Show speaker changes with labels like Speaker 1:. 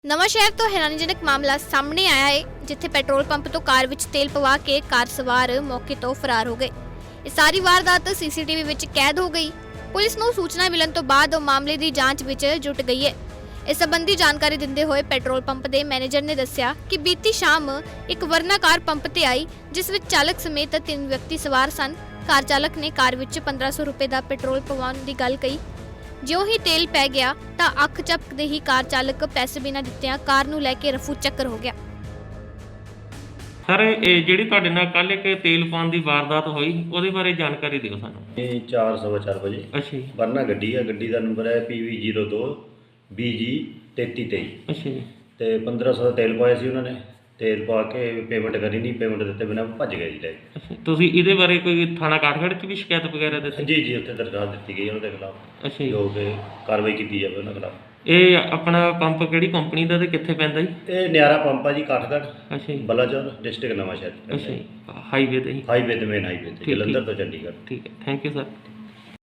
Speaker 1: ਨਵਾਂਸ਼ਹਿਰ ਤੋਂ ਹੈਰਾਨੀਜਨਕ ਮਾਮਲਾ ਸਾਹਮਣੇ ਆਇਆ ਹੈ ਜਿੱਥੇ ਪੈਟਰੋਲ ਪੰਪ ਤੋਂ ਕਾਰ ਵਿੱਚ ਤੇਲ ਪਵਾ ਕੇ ਕਾਰ ਸਵਾਰ ਮੌਕੇ ਤੋਂ ਫਰਾਰ ਹੋ ਗਏ। ਇਹ ਸਾਰੀ ਵਾਰਦਾਤ ਸੀਸੀਟੀਵੀ ਵਿੱਚ ਕੈਦ ਹੋ ਗਈ। ਪੁਲਿਸ ਨੂੰ ਸੂਚਨਾ ਮਿਲਣ ਤੋਂ ਬਾਅਦ ਉਹ ਮਾਮਲੇ ਦੀ ਜਾਂਚ ਵਿੱਚ ਜੁਟ ਗਈ ਹੈ। ਇਸ ਸੰਬੰਧੀ ਜਾਣਕਾਰੀ ਦਿੰਦੇ ਹੋਏ ਪੈਟਰੋਲ ਪੰਪ ਦੇ ਮੈਨੇਜਰ ਨੇ ਦੱਸਿਆ ਕਿ ਬੀਤੀ ਸ਼ਾਮ ਇੱਕ ਵਰਨਾ ਕਾਰ ਪੰਪ ਤੇ ਆਈ ਜਿਸ ਵਿੱਚ ਚਾਲਕ ਸਮੇਤ 3 ਵਿਅਕਤੀ ਸਵਾਰ ਸਨ। ਕਾਰ ਚਾਲਕ ਨੇ ਕਾਰ ਵਿੱਚ 1500 ਰੁਪਏ ਦਾ ਪੈਟਰੋਲ ਪਵਾਉਣ ਦੀ ਗੱਲ ਕਹੀ। ਜਿਉਂ ਹੀ ਤੇਲ ਪੈ ਗਿਆ ਤਾਂ ਅੱਖ ਝਪਕਦੇ ਹੀ ਕਾਰ ਚਾਲਕ ਪੈਸੇ ਬਿਨਾਂ ਦਿੱਤਿਆਂ ਕਾਰ ਨੂੰ ਲੈ ਕੇ ਰਫੂ ਚੱਕਰ ਹੋ ਗਿਆ।
Speaker 2: ਸਰ ਇਹ ਜਿਹੜੀ ਤੁਹਾਡੇ ਨਾਲ ਕੱਲ ਇੱਕ ਤੇਲ ਪਾਉਣ ਦੀ ਵਾਰਦਾਤ ਹੋਈ ਉਹਦੇ ਬਾਰੇ ਜਾਣਕਾਰੀ ਦਿਓ ਸਾਨੂੰ।
Speaker 3: ਇਹ 4:15 ਵਜੇ
Speaker 2: ਅੱਛਾ ਜੀ।
Speaker 3: ਵਰਨਾ ਗੱਡੀ ਆ, ਗੱਡੀ ਦਾ ਨੰਬਰ ਹੈ PV02 BG 3323।
Speaker 2: ਅੱਛਾ ਜੀ।
Speaker 3: ਤੇ 1500 ਦਾ ਤੇਲ ਪਾਇਆ ਸੀ ਉਹਨਾਂ ਨੇ। ਤੇਲ ਪਾ ਕੇ ਪੇਮੈਂਟ ਕਰੀ ਨਹੀਂ, ਪੇਮੈਂਟ ਦਿੱਤੇ ਬਿਨਾਂ ਭੱਜ ਗਏ ਜੀ ਲੈ ਕੇ।
Speaker 2: ਅੱਛਾ, ਤੁਸੀਂ ਇਹਦੇ ਬਾਰੇ ਕੋਈ ਥਾਣਾ ਕਾਠਗੜ੍ਹ 'ਚ ਵੀ ਸ਼ਿਕਾਇਤ ਵਗੈਰਾ ਦਿੱਤੀ?
Speaker 3: ਜੀ ਉੱਥੇ ਦਰਖਾਸਤ ਦਿੱਤੀ ਗਈ ਉਹਨਾਂ ਦੇ ਖਿਲਾਫ।
Speaker 2: ਅੱਛਾ ਜੀ।
Speaker 3: ਜੋ ਕਿ ਕਾਰਵਾਈ ਕੀਤੀ ਜਾਵੇ ਉਹਨਾਂ ਖਿਲਾਫ।
Speaker 2: ਇਹ ਆਪਣਾ ਪੰਪ ਕਿਹੜੀ ਕੰਪਨੀ ਦਾ ਤੇ ਕਿੱਥੇ ਪੈਂਦਾ ਜੀ?
Speaker 3: ਇਹ ਨਿਆਰਾ ਪੰਪ ਆ ਜੀ, ਕਾਠਗੜ੍ਹ
Speaker 2: ਅੱਛਾ ਜੀ।
Speaker 3: ਬਲਾਚੌਰ ਡਿਸਟ੍ਰਿਕਟ ਨਵਾਂਸ਼ਹਿਰ।
Speaker 2: ਅੱਛਾ ਜੀ। ਹਾਈਵੇ ਤੇ ਜੀ?
Speaker 3: ਹਾਈਵੇ ਤੇ, ਮੇਨ ਹਾਈਵੇ ਤੇ,
Speaker 2: ਠੀਕ,
Speaker 3: ਜਲੰਧਰ ਤੋਂ ਚੰਡੀਗੜ੍ਹ।
Speaker 2: ਠੀਕ ਹੈ, ਥੈਂਕ ਯੂ ਸਰ।